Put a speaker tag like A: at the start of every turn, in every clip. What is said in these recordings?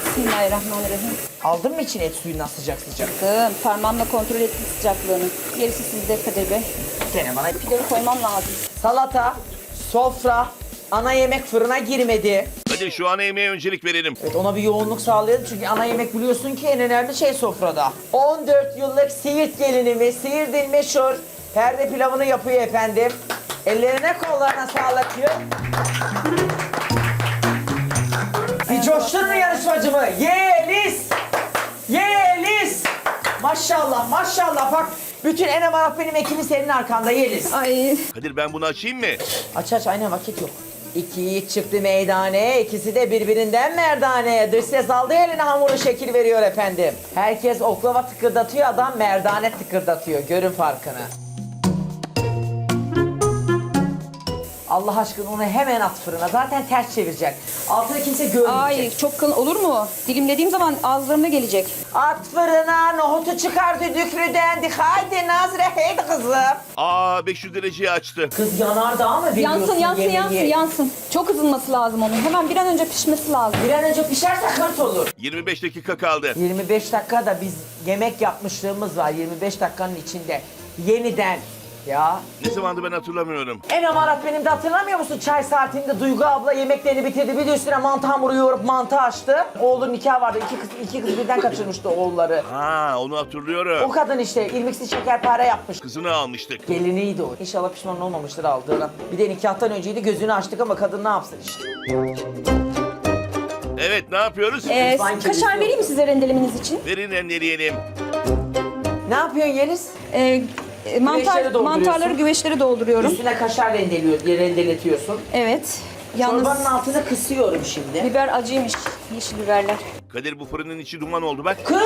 A: Bismillahirrahmanirrahim.
B: Aldın mı içine et suyundan sıcak sıcak?
A: Parmağımla kontrol ettim sıcaklığını. Gerisi sizde Kadir Bey.
B: Gene bana
A: Pilavı koymam lazım.
B: salata, sofra, ana yemek fırına girmedi.
C: Hadi şu ana yemeğe öncelik verelim.
B: Evet, ona bir yoğunluk sağlayalım çünkü ana yemek biliyorsun ki en önemli şey sofrada. 14 yıllık Siirt gelinimiz, Siirt'in meşhur perde pilavını yapıyor efendim. Ellerine kollarına sağlık diyor. Bir coştun mu yarışmacımı? Yeliz! Yeliz! Maşallah maşallah bak bütün Enem Arap benim ekibi senin arkanda Yeliz.
A: Ay.
C: Kadir ben bunu açayım mı?
B: Aç aç aynen vakit yok. İki yiğit çıktı meydane, ikisi de birbirinden merdane. Dış ses aldı eline hamuru şekil veriyor efendim. Herkes oklava tıkırdatıyor, adam merdane tıkırdatıyor. Görün farkını. Allah aşkına onu hemen at fırına. Zaten ters çevirecek. Altını kimse görmeyecek.
A: Ay çok kalın olur mu? Dilimlediğim zaman ağızlarına gelecek.
B: At fırına, nohutu çıkar düdüklüden. Haydi Nazire, haydi kızım.
C: Aa 500 dereceyi açtı.
B: Kız yanar daha mı biliyorsun
A: Yansın yansın
B: yemeği?
A: yansın yansın. Çok ısınması lazım onun. Hemen bir an önce pişmesi lazım.
B: Bir an önce pişerse hırt olur.
C: 25 dakika kaldı.
B: 25 dakikada biz yemek yapmışlığımız var 25 dakikanın içinde. Yeniden ya.
C: Ne zamandı ben hatırlamıyorum.
B: En amarat benim de hatırlamıyor musun? Çay saatinde Duygu abla yemeklerini bitirdi. Bir de üstüne mantı hamuru yoğurup mantı açtı. Oğlun nikah vardı. İki kız birden kaçırmıştı oğulları.
C: Ha onu
B: O
C: hatırlıyorum.
B: kadın işte irmiksiz şekerpare yapmış.
C: Kızını almıştık.
B: Geliniydi o. İnşallah pişman olmamıştır aldığına. Bir de nikahtan önceydi gözünü açtık ama kadın ne yapsın işte.
C: Evet ne yapıyoruz?
B: Sanki
A: Kaşar
B: biz-
A: vereyim mi size rendelemeniz için?
C: Verin rendeleyelim.
B: Ne yapıyorsun Yeliz?
A: Mantarları
B: dolduruyorsun.
A: güveçleri dolduruyorum.
B: Üstüne kaşar rendeletiyorsun.
A: Evet. Yalnız
B: Çorbanın altını kısıyorum şimdi.
A: biber acıymış. Yeşil biberler.
C: Kadir bu fırının içi duman oldu bak.
B: Kız!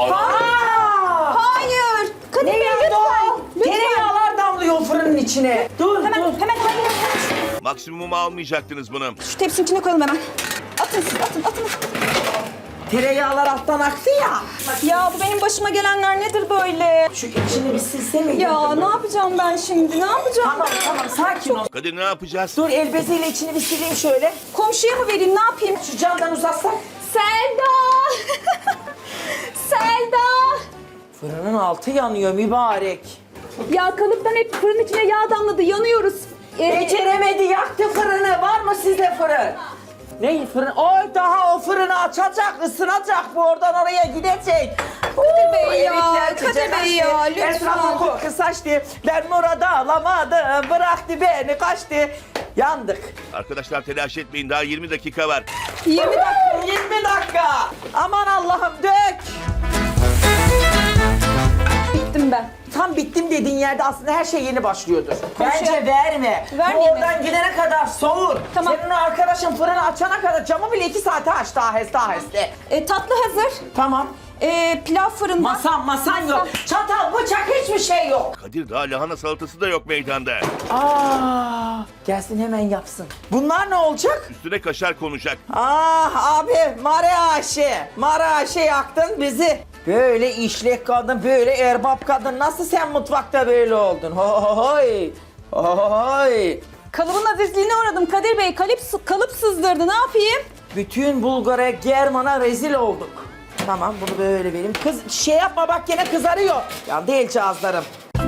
A: Hayır. Kadir
B: Ne
A: Bey
B: yandı
A: lütfen.
B: o?
A: Lütfen.
B: Tereyağlar damlıyor fırının içine. Dur
A: Hemen
B: dur.
A: hemen hayır.
C: Maksimum almayacaktınız bunu.
A: Şu tepsinin içine koyalım hemen. Atın siz atın.
B: Tereyağlar alttan aktı ya.
A: Ya bu benim başıma gelenler nedir böyle?
B: Şu içini bir silse mi?
A: Ya ne yapacağım ben şimdi? Ne yapacağım
B: Tamam
A: ben?
B: tamam sakin ol.
C: Kadir ne yapacağız?
B: Dur el beziyle içini bir sileyim şöyle.
A: Komşuya mı vereyim? Ne yapayım?
B: Şu camdan uzatsak.
A: Selda! Selda!
B: Fırının altı yanıyor mübarek.
A: Ya kalıptan hep fırın içine yağ damladı. Yanıyoruz.
B: Beceremedi yaktı fırını. Var mı sizde fırın? Ne fırın? Oy daha o fırını açacak, ısınacak bu oradan oraya gidecek.
A: Kadir Bey ya,
B: Yemekler
A: Kadir
B: sıcak
A: Bey
B: açtı.
A: ya, lütfen.
B: Etrafı koku saçtı. Ben Murat'ı alamadım. Bıraktı beni kaçtı. Yandık.
C: Arkadaşlar telaş etmeyin daha 20 dakika var.
A: 20 dakika.
B: 20 dakika. Aman Allah'ım dök.
A: Bittim ben.
B: Tam bittim dediğin yerde aslında her şey yeni başlıyordur. Bence verme.
A: Vermeyeyim
B: Bu
A: mi?
B: oradan gidene kadar soğur.
A: Tamam.
B: Senin o arkadaşın fırını açana kadar camı bile 2 saate açtı aheste.
A: Tatlı hazır.
B: Tamam.
A: Pilav fırında.
B: Masan yok. Çatal, bıçak hiçbir şey yok.
C: Kadir daha lahana salatası da yok meydanda.
B: Gelsin hemen yapsın. Bunlar ne olacak?
C: Üstüne kaşar konacak.
B: Abi Mare Ayşe yaktın bizi. Böyle işlek kadın, böyle erbap kadın. Nasıl sen mutfakta böyle oldun? Hoy. Hoy.
A: Kalıbın azizliğine uğradım Kadir Bey. Kalıp sızdırdı. Ne yapayım?
B: Bütün Bulgar'a, German'a rezil olduk. Tamam bunu böyle vereyim. Kız şey yapma bak gene kızarıyor. Ya değil cihazlarım.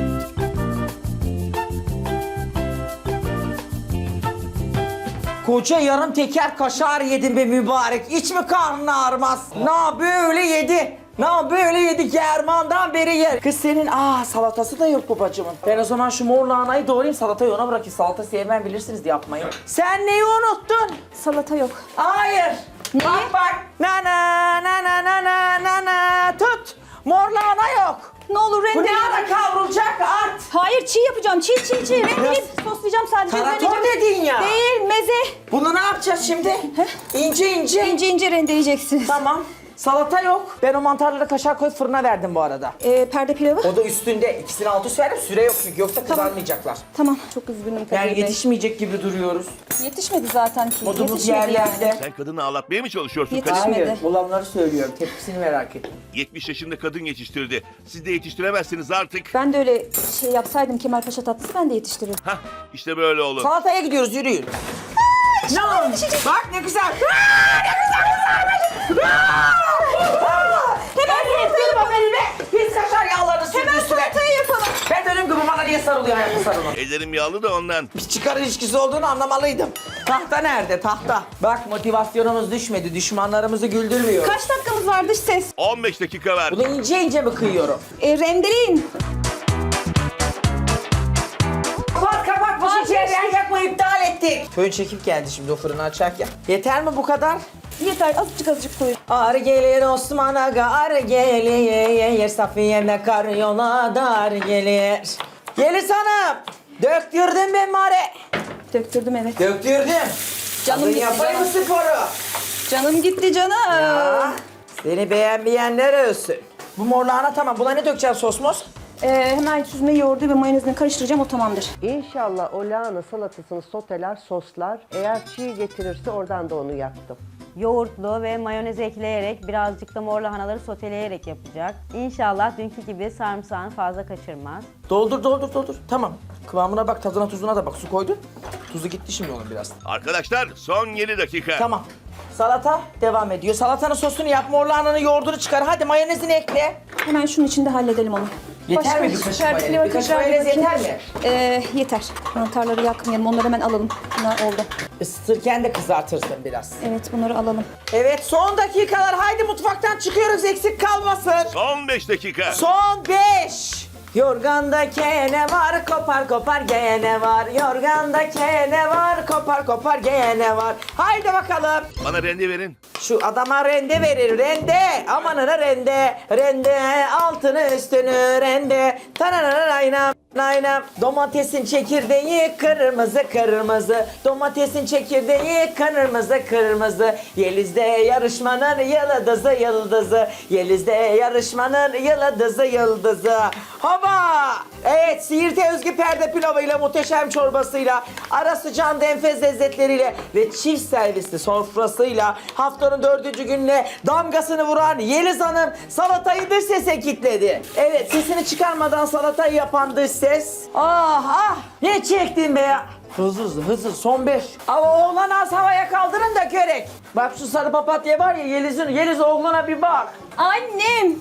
B: Koca yarım teker kaşar yedim be mübarek. Hiç mi karnın ağrımaz? Na böyle yedi. Na böyle yedi German'dan beri yer. Kız senin salatası da yok babacığımın. Ben o zaman şu mor lahanayı doğrayayım salatayı ona bırakayım. Salata sevmem bilirsiniz yapmayı. Sen neyi unuttun?
A: Salata yok.
B: Hayır.
A: Niye?
B: Bak. Na na na na na na na na. Tut. Mor lahana yok.
A: Ne olur
B: Bu ne
A: rendele.
B: ara kavrulacak at.
A: Hayır çiğ yapacağım. Çiğ. Rendeleyip soslayacağım sadece.
B: Tarator
A: Rendeleyeceğim.
B: dedin ya.
A: Değil meze.
B: Bunu ne yapacağız şimdi? İnce.
A: İnce rendeleyeceksiniz.
B: Tamam. Salata yok. Ben o mantarları kaşar koyup fırına verdim bu arada.
A: Perde pilavı.
B: O da üstünde. İkisini alt üst verdim. Süre yok çünkü yoksa kızarmayacaklar.
A: Tamam. Çok üzgünüm Kadir
B: Yani
A: Bey.
B: yetişmeyecek gibi duruyoruz.
A: Yetişmedi zaten ki.
B: Modumuz
A: Yetişmedi
B: yerlerde.
A: yani.
C: Sen kadını ağlatmaya mı çalışıyorsun
A: Yetiş-
C: Kadir?
A: Yetişmedi.
B: Hayır, olanları söylüyorum. Tepkisini merak ettim.
C: 70 yaşında kadın yetiştirdi. Siz de yetiştiremezsiniz artık.
A: Ben de öyle şey yapsaydım Kemalpaşa tatlısı ben de yetiştirirdim.
C: Hah işte böyle olur.
B: Salataya gidiyoruz, yürüyün. Ne olmuş? Bak ne güzel. Ne güzel kızarmış. basar onu.
C: Ellerim yağlı da ondan.
B: Bir çıkar ilişkisi olduğunu anlamalıydım. Tahta nerede? Tahta. Bak motivasyonumuz düşmedi. Düşmanlarımızı güldürmüyor.
A: Kaç dakikamız var dış ses?
C: 15 dakika ver.
B: Bunu ince ince mi kıyıyorum?
A: Rendeleyin.
B: Kapat bu şişeyi yakma iptal ettik. Fön çekip geldi şimdi o fırını açarken. Yeter mi bu kadar?
A: Yeter azıcık koyun.
B: Ar gelir Osman Aga ar gelir Safiye'me kar yola dar gelir. Gelir hanım. Döktürdüm ben mare.
A: Döktürdüm evet.
B: Döktürdüm.
A: Canım
B: Hadi
A: gitti,
B: yapayım mı
A: canım.
B: sporu?
A: Canım gitti canım.
B: Ya, seni beğenmeyenler ölsün. Bu morlağına tamam. Buna ne dökeceğim sosmos?
A: Hemen süzme yoğurdu ve mayonezini karıştıracağım o tamamdır.
D: İnşallah o lahana salatasını soteler, soslar. Eğer çiğ getirirse oradan da onu yaptım.
E: Yoğurtlu ve mayonez ekleyerek birazcık da mor lahanaları soteleyerek yapacak. İnşallah dünkü gibi sarımsağını fazla kaçırmaz.
B: Doldur. Tamam. Kıvamına bak, tadına tuzuna da bak. Su koydun. Tuzu gitti şimdi onun biraz.
C: Arkadaşlar son 7 dakika.
B: Tamam. Salata devam ediyor. Salatanın sosunu yap, morlahananın yoğurdunu çıkar. Hadi mayonezini ekle.
A: Hemen şunun içinde halledelim onu.
B: Yeter mi bir kaşık mayonez? Bir kaşık mayonez yeter mi?
A: Yeter. Mantarları yakmayalım. Onları hemen alalım. Bunlar oldu.
B: Isıtırken de kızartırsın biraz.
A: Evet bunları alalım.
B: Evet son dakikalar. Haydi mutfaktan çıkıyoruz eksik kalmasın.
C: Son 5 dakika.
B: Son 5. Yorganda kene var, kopar kopar gene var. Yorganda kene var, kopar kopar gene var. Haydi bakalım.
C: Bana rende verin.
B: Şu adama rende verir, rende. Amanına rende, rende. Altını üstünü rende. Tanananaynam. Naynam. Domatesin çekirdeği kırmızı kırmızı. Domatesin çekirdeği kırmızı kırmızı. Yeliz'de yarışmanın yıldızı yıldızı. Yeliz'de yarışmanın yıldızı yıldızı. Hava! Evet, Siirt'e özgü perde pilavıyla, muhteşem çorbasıyla, ara sıcağın enfes lezzetleriyle ve çift servisli sofrasıyla haftanın 4. gününe damgasını vuran Yeliz Hanım salatayı dış sese kilitledi. Evet, sesini çıkarmadan salatayı yapan dış ses. Ah! Ne çektin be ya? Hızlı son 5. Ama oğlan az havaya kaldırın da körek. Bak şu sarı papatya var ya Yeliz oğluna bir bak.
A: Annem!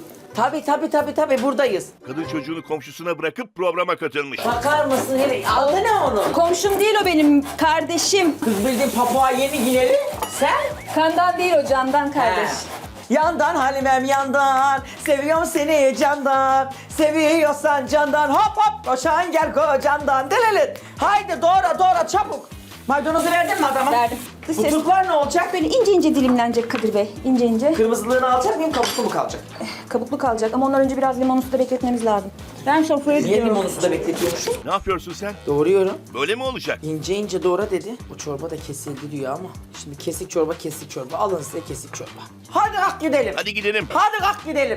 B: Tabii buradayız.
C: Kadın çocuğunu komşusuna bırakıp programa katılmış.
B: Bakar mısın hele? Adı ne onun?
A: Komşum değil o benim kardeşim.
B: Kız bildiğin papua yeni Gineli. Sen?
A: Kandan değil o candan kardeş.
B: Yandan Halimem yandan, seviyorum seni candan, seviyorsan candan, hop koşan gel kocandan, delelit. Haydi doğra çabuk. Maydanozu verdin mi adama?
A: Verdim. Dış ses.
B: Butuklar ne olacak?
A: Böyle ince dilimlenecek Kadir Bey. İnce.
B: Kırmızılığını alacak mıyım, kabuklu mu kalacak?
A: Kabuklu kalacak ama ondan önce biraz limonlu suda bekletmemiz lazım. Ben sofraya
B: Niye
A: gidiyorum.
B: limonu suda bekletiyormuşum?
C: Ne yapıyorsun sen?
B: Doğruyorum.
C: Böyle mi olacak?
B: İnce doğra dedi. O çorba da kesildi diyor ama. Şimdi kesik çorba. Alın size kesik çorba. Hadi kalk gidelim.
C: Hadi gidelim.
B: Hadi kalk gidelim.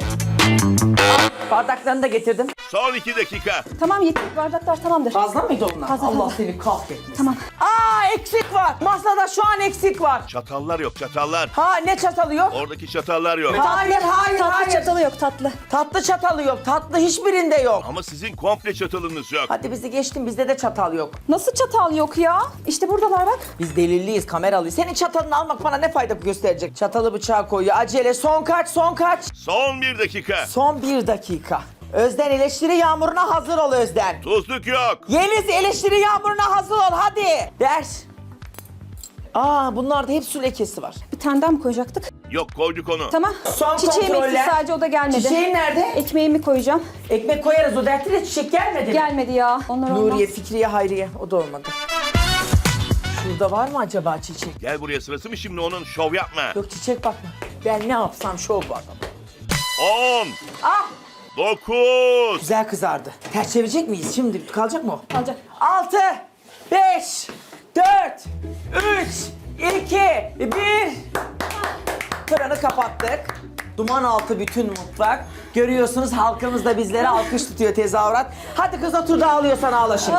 B: Bardaklarını da getirdim.
C: Son 2 dakika.
A: Tamam yeter bardaklar tamamdır.
B: Fazla mıydı onlar?
A: Fazla,
B: Allah
A: fazla.
B: seni kahretmesin.
A: Tamam.
B: Eksik var. Masada şu an eksik var.
C: Çatallar yok çatallar.
B: Ha ne çatalı yok?
C: Oradaki çatallar yok.
B: Hayır.
A: Tatlı çatalı yok tatlı.
B: Tatlı çatalı yok. Tatlı hiçbirinde yok.
C: Ama sizin komple çatalınız yok.
B: Hadi bizi geçtin, bizde de çatal yok.
A: Nasıl çatal yok ya? İşte buradalar bak.
B: Biz delilliyiz, kameralıyız. Senin çatalını almak bana ne fayda gösterecek? Çatalı bıçağı koyuyor. Acele. Son kaç?
C: Son 1 dakika.
B: Son 1 dakika. Özden eleştiri yağmuruna hazır ol Özden.
C: Tuzluk yok.
B: Yeliz eleştiri yağmuruna hazır ol hadi. Ders. Bunlarda hep su lekesi var.
A: Bir tane daha mı koyacaktık?
C: Yok koyduk onu.
A: Tamam.
B: Son
A: Çiçeğim
B: kontroller.
A: eksik sadece o da gelmedi.
B: Çiçeğin nerede?
A: Ekmeğimi koyacağım.
B: Ekmek koyarız o dertli de çiçek gelmedi mi?
A: Gelmedi ya. Onlar olmaz.
B: Nuriye, Fikriye, Hayriye. O da olmadı. Şurada var mı acaba çiçek?
C: Gel buraya, sırası mı şimdi onun, şov yapma.
B: Yok çiçek bakma. Ben ne yapsam şov bu adam.
C: 10. 9.
B: Güzel kızardı. Ters çevirecek miyiz şimdi? Kalacak mı o?
A: Kalacak.
B: 6, 5, 4, 3, 2, 1. Fırını kapattık. Duman altı bütün mutfak. Görüyorsunuz halkımız da bizlere alkış tutuyor, tezahürat. Hadi kız otur da ağlıyorsan ağla şimdi.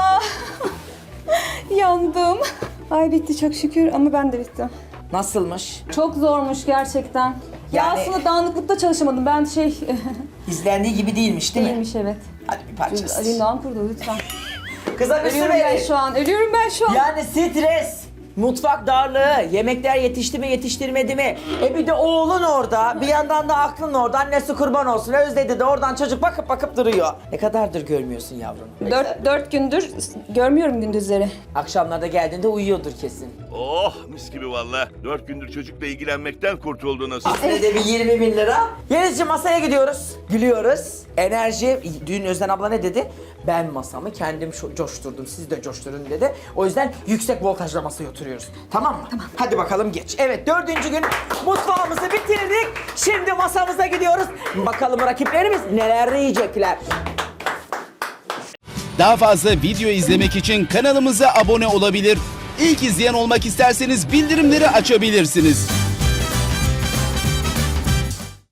A: Yandım. Ay bitti çok şükür ama ben de bittim.
B: Nasılmış?
A: Çok zormuş gerçekten. Ya
B: Yani-
A: aslında dağınıklıkta çalışamadım. Ben
B: İzlendiği gibi değilmiş değil mi?
A: değilmiş evet.
B: Hadi bir parçası.
A: Ali Doğan kurdu lütfen.
B: Kıza bir su
A: Ölüyorum ben
B: verin.
A: şu an. Ölüyorum ben şu an.
B: Yani stres. Mutfak darlığı, yemekler yetişti mi yetiştirmedi mi? Bir de oğlun orada, bir yandan da aklın orada. Annesi kurban olsun, özledi de oradan çocuk bakıp bakıp duruyor. Ne kadardır görmüyorsun yavrum?
A: 4 gündür görmüyorum gündüzleri.
B: Akşamlarda geldiğinde uyuyordur kesin.
C: Oh mis gibi valla. 4 gündür çocukla ilgilenmekten kurtuldunuz.
B: Aslında bir 20 bin lira. Yelizciğim masaya gidiyoruz. Gülüyoruz. Enerji. Dün Özden abla ne dedi? Ben masamı kendim coşturdum. Siz de coşturun dedi. O yüzden yüksek voltajla masaya oturuyoruz. Tamam mı? Tamam. Hadi bakalım geç. Evet 4. gün mutfağımızı bitirdik. Şimdi masamıza gidiyoruz. Bakalım rakiplerimiz neler yiyecekler.
F: Daha fazla video izlemek için kanalımıza abone olabilir. İlk izleyen olmak isterseniz bildirimleri açabilirsiniz.